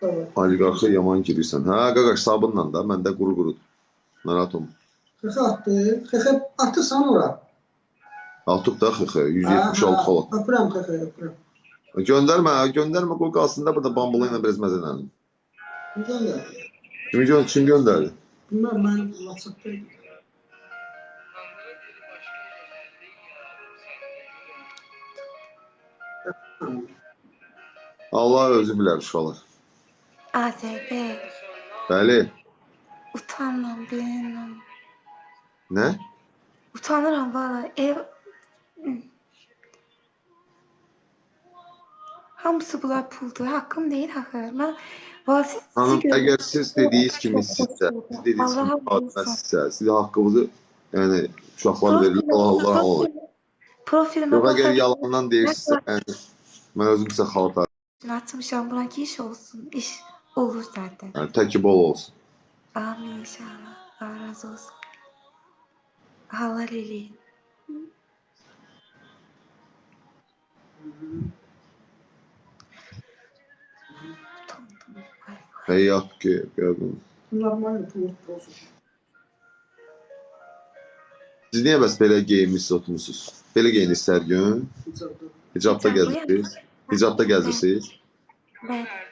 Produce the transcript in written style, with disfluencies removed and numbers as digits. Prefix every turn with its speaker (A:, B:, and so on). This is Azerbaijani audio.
A: Evet.
B: Oliqarxa yaman girirsən. Hə, qaqaş sabunla da, məndə quru-qurudur. Narahat olma.
A: Xıxı attı. Xıxı atırsan ora.
B: Atıb da xıxı,
A: Ha,
B: 176 xol.
A: öpürəm xıxı, öpürəm.
B: Göndərmə, qoy qalsın da burada bambula ilə biraz məzələndim.
A: Göndər.
B: Kim göndərdi?
A: Bilmem, mən WhatsApp'daydım.
B: Allah özü bilər uşaqlar.
C: AZB.
B: Bəli.
C: Utanmam, bilmem.
B: Nə?
C: Utanıram valla. Hamısı bunlar puldur. Hakkım değil hakkı. Ben valla
B: Hanım,
C: sizi
B: əgər siz dediyiniz kimi sizsə, siz haqqınızı, yəni uşaqlar verirlər, Allah olur.
C: Profilime
B: Yox, əgər
C: bakabilir
B: yalandan deyirsinizsə, yəni, mən özüm sizə xalat
C: atmışam. Buna ki iş olsun. İş olur zaten.
B: yəni, təki bol olsun.
C: Amin inşallah. Allah razı olsun. Halal eleyin.
B: Həyat ki, gördüm.
A: Normal pul olsun.
B: Siz niyə bəs belə geyinmişsiniz, oturmuşsunuz? Belə geyinirsiniz hər gün? Hicabda gəzirsiniz? Hicabda gəzirsiniz?
C: Ben